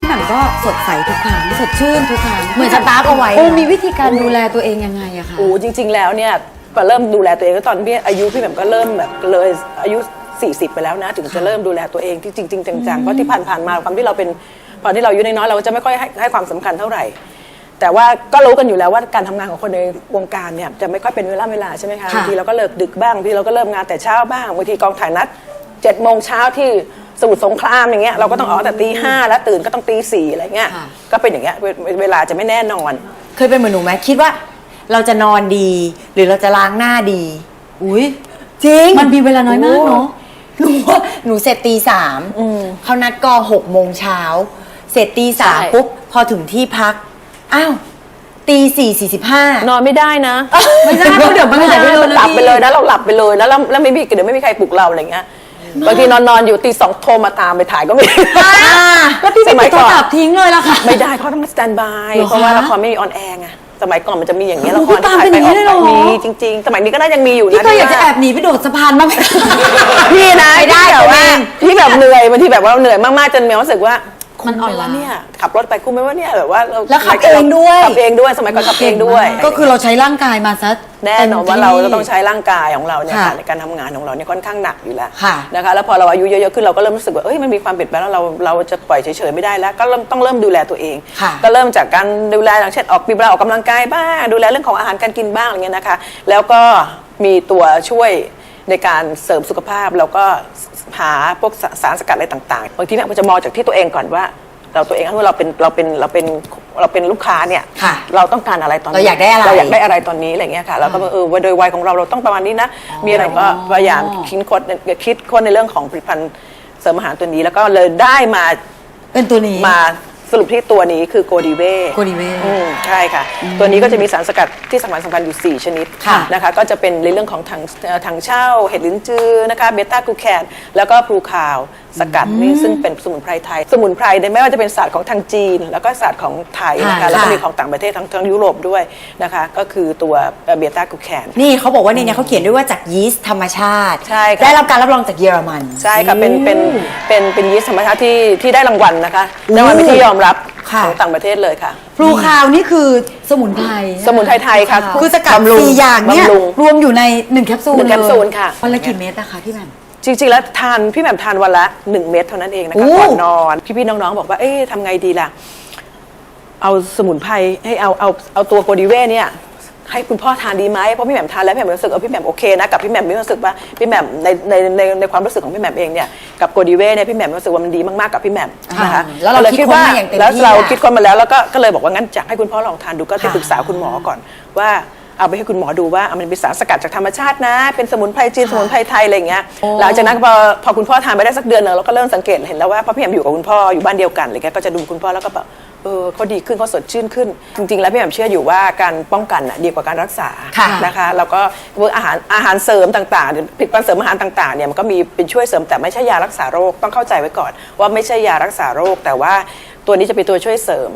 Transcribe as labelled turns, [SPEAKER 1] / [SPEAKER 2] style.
[SPEAKER 1] หม่ำก็สดใสทุกครั้งสดชื่นทุกครั้ง
[SPEAKER 2] เหมือนสตาร์ฟเอาไว้
[SPEAKER 1] มีวิธีการดูแลตัวเองยังไงอะคะ
[SPEAKER 3] โอ้จริง ๆ แล้วเนี่ยพอเริ่มดูแลตัวเองก็ตอนพี่อายุพี่แหม่มก็เริ่มแบบเลยอายุ40ไปแล้วนะถึงจะเริ่มดูแลตัวเองที่จริงๆจังๆเพราะที่ผ่านๆมาความที่เราเป็นตอนที่เราอายุน้อยๆเราจะไม่ค่อยให้ความสำคัญเท่าไหร่ แต่ว่าก็รู้กันอยู่แล้วว่าการทำงานของคนในวงการเนี่ยจะไม่ค่อยเป็นเวลาใช่ไหมคะบางทีเราก็เลิกดึกบ้างบางทีเราก็เริ่มงานแต่เช้าบ้างบางทีกองถ่ายนัด7 โมงเช้าที่สมุทรสงครามอย่างเงี้ยเราก็ต้องออกแต่ตี 5แล้วตื่นก็ต้องตี 4อะไรเงี้ยก็เป็นอย่างเงี้ยเวลาจะไม่แน่นอน
[SPEAKER 2] เคยเป็นเหมือนหนูไหมคิดว่าเราจะนอนดีหรือเราจะล้างหน้าดี
[SPEAKER 1] อุ้ย
[SPEAKER 2] จริง
[SPEAKER 1] มันมีเวลาน้อยมากเนาะ
[SPEAKER 2] หนูเสร็จตี 3เขานัดกอง6 โมงเช้าเสร็จตี
[SPEAKER 3] ใช่
[SPEAKER 2] 3ปุ๊บพอถึงที่พักอ้าวตี 4:45
[SPEAKER 3] นอนไม่ได้นะ
[SPEAKER 1] ไม่ได้เพราะเดี๋ยวมันหายไปเลยนะ
[SPEAKER 3] หลับ
[SPEAKER 1] พี่
[SPEAKER 3] ไปเลยนะเราหลับไปเลยแล้วไม่มีเดี๋ยวไม่มีใครปลุกเราอะไรเงี้ยบางทีนอนอยู่ตี 2โทรมาตามไปถ่ายก็มี
[SPEAKER 1] แล้วพี่
[SPEAKER 3] ส
[SPEAKER 1] ไม่
[SPEAKER 3] มั
[SPEAKER 1] ปิ
[SPEAKER 3] ย
[SPEAKER 1] ดโท
[SPEAKER 3] ก่
[SPEAKER 1] ร
[SPEAKER 3] อน
[SPEAKER 1] ศัพท์ทิ้งเลยล่ะค่ะ
[SPEAKER 3] ไม่ได้เขาต้องสแตนบาย
[SPEAKER 1] เหรอคะ
[SPEAKER 3] เพราะว่าละครไม่มีออนแอร์ไงสมัยก่อนมันจะมีอย่างเงี้ย
[SPEAKER 1] โอ้
[SPEAKER 3] ละ
[SPEAKER 1] โห
[SPEAKER 3] คร
[SPEAKER 1] พี่ตามเป็นอย่างนี้เลยเหรอ
[SPEAKER 3] มีจริง ๆ สมัยนี้ก็น่ายังมีอยู่นะ
[SPEAKER 1] พี่ก็อยากจะแอบหนีไปโดดสะพานบ้างไหม
[SPEAKER 3] พี่นะ
[SPEAKER 2] ไม่ได้
[SPEAKER 3] ที่แบบว่า
[SPEAKER 2] ตัวเอง
[SPEAKER 3] ที่แบบเหนื่อยบางทีแบบว่าเราเหนื่อยมากๆจนมีความรู้สึกว่า
[SPEAKER 1] มันอ่อนล้า
[SPEAKER 3] เนี่ยขับรถไปคุ้มไหมว่าเนี่ยแบบว่าเรา
[SPEAKER 2] แล้วขับเองด้วย
[SPEAKER 3] ขับเองด้วยสมัยก่อนขับเองด้วย
[SPEAKER 1] ก็คือเราใช้ร่างกายมาซะ
[SPEAKER 3] แน่นอนว่าเราจะต้องใช้ร่างกายของเราเนี่ย
[SPEAKER 1] ค่ะ
[SPEAKER 3] ค่ะในการทำงานของเราเนี่ยค่อนข้างหนักอยู่แล้ว
[SPEAKER 2] ค่ะ
[SPEAKER 3] นะคะแล้วพอเราอายุเยอะๆขึ้นเราก็เริ่มรู้สึกว่าเอ้ยมันมีความเปลี่ยนแปลงแล้วเราจะปล่อยเฉยๆไม่ได้แล้วก็ต้องเริ่มดูแลตัวเอง
[SPEAKER 2] ค่ะ
[SPEAKER 3] ก็เริ่มจากการดูแลอย่างเช่นมีเวลาออกกำลังกายบ้างดูแลเรื่องของอาหารการกินบ้างอะไรเงี้ยนะคะแล้วก็มีตัวช่วยในการเสริมสุขภาพแล้วก็หาพวกสารสกัดอะไรต่างๆบางทีเนี่ยมันจะมองจากที่ตัวเองก่อนว่าตัวเองถ้าเราเป็นลูกค้าเนี่ย
[SPEAKER 2] ค่ะ
[SPEAKER 3] เราต้องการอะไรตอนนี้
[SPEAKER 2] เราอยากได้อะไร
[SPEAKER 3] เราอยากได้อะไรตอนนี้อะไรเงี้ยค่ะแล้วก็ว่าโดยวัยของเราต้องประมาณนี้นะมีอะไรก็พยายามคิดค้นในเรื่องของผลิตภัณฑ์เสริมอาหารตัวนี้แล้วก็เลยได้มา
[SPEAKER 1] เป็นตัวนี้
[SPEAKER 3] มาสรุปที่ตัวนี้คือโกดีเว่
[SPEAKER 1] Godiva
[SPEAKER 3] ใช่ค่ะ ตัวนี้ก็จะมีสารสกัดที่สำคัญอยู่ 4 ชนิด
[SPEAKER 1] ค่ะ
[SPEAKER 3] นะคะก็จะเป็นในเรื่องของถังเช่าเห็ดลิ้นจือนะคะเบต้ากลูแคนแล้วก็พลูคาวสกัดนี่ซึ่งเป็นสมุนไพรไทย สมุนไพรเนี่ยไม่ว่าจะเป็นศาสตร์ของทางจีน แล้วก็ศาสตร์ของไทยนะคะ
[SPEAKER 1] ค่ะ
[SPEAKER 3] แล้วก็มีของต่างประเทศทั้งยุโรปด้วยนะคะก็คือตัวเบต้ากลูแคน
[SPEAKER 2] นี่เขาบอกว่าในนี้เขาเขียนด้วยว่าจากยีสต์ธรรมชาติ
[SPEAKER 3] ใช่ค่ะ
[SPEAKER 2] ได้รับการรับรองจากเยอรมัน
[SPEAKER 3] ใช่ค่ะเป็นยีสต์ธรรมชาติที่ได้รางวัลนะคะรางวัลเป็นที่ยอมรับ
[SPEAKER 2] ค่ะ
[SPEAKER 3] ของต่างประเทศเลยค่ะ
[SPEAKER 1] พลูคาวนี่คือสมุนไพร
[SPEAKER 3] สมุนไพรไทยค่ะ
[SPEAKER 1] คือสกัด
[SPEAKER 3] บำรุง
[SPEAKER 1] 4 อย่างเนี่ย
[SPEAKER 3] บำรุง
[SPEAKER 1] รวมอยู่ใน1แคปซูล
[SPEAKER 3] หนึ่งแคปซูลค่ะ
[SPEAKER 1] วันละกี่เม็ดนะคะพี่แหม่ม
[SPEAKER 3] จริงๆแล้วพี่แหม่มทานวันละ1 เม็ดเท่านั้นเองนะคะ
[SPEAKER 1] โอ้
[SPEAKER 3] ก่อนนอนพี่ๆน้องๆบอกว่าเอ๊ะทำไงดีล่ะเอาสมุนไพรให้เอาตัวโกดีเว่เนี่ยให้คุณพ่อทานดีไหมเพราะพี่แหม่มทานแล้วพี่แหม่มรู้สึกพี่แหม่มโอเคนะกับพี่แหม่มมีความรู้สึกว่าพี่แหม่มในความรู้สึกของพี่แหม่มเองเนี่ยกับโกดีเว่เนี่ยพี่แหม่มรู้สึกว่ามันดีมากๆกับพี่แหม่มนะคะ
[SPEAKER 2] แล้วเรา
[SPEAKER 3] ก็ย
[SPEAKER 2] คิดค้นมาอย่างเต็มที่
[SPEAKER 3] แล้วเรา
[SPEAKER 2] อะ
[SPEAKER 3] คิดค้นมาแล้วก็เลยบอกว่างั้นอยากให้คุณพ่อลองทานดูก็ไปปรึกษาคุณหมอก่อนว่าเอาไปให้คุณหมอดูว่ามันเป็นสารสกัดจากธรรมชาตินะเป็นสมุนไพรจีนสมุนไพรไทยอะไรอย่างเงี้ยหลังจากนั้นพอคุณพ่อทานไปได้สักเดือนหนึงเราก็เริ่มสังเกตเห็นแล้วว่าเพราะพี่แหม่มอยู่กับคุณพ่ออยู่บ้านเดียวกันอะไรเงี้ยก็จะดูคุณพ่อแล้วก็แบบเขาดีขึ้นเขาสดชื่นขึ้น จริงๆแล้วพี่แหม่มเชื่ออยู่ว่าการป้องกันน่ะดีกว่าการรักษา
[SPEAKER 2] ค่ะ
[SPEAKER 3] นะคะแล้วก็อาหารเสริมต่างๆผลิตภัณฑ์เสริมอาหารต่างๆเนี่ยมันก็มีเป็นช่วยเสริมแต่ไม่ใช่ยารักษาโรคต้องเข้าใจไว้ก่อนว่าไม่ใช่ยารักษาโรคแต่ว่าตัวนี้จะเป็นตัวช่วยเสริม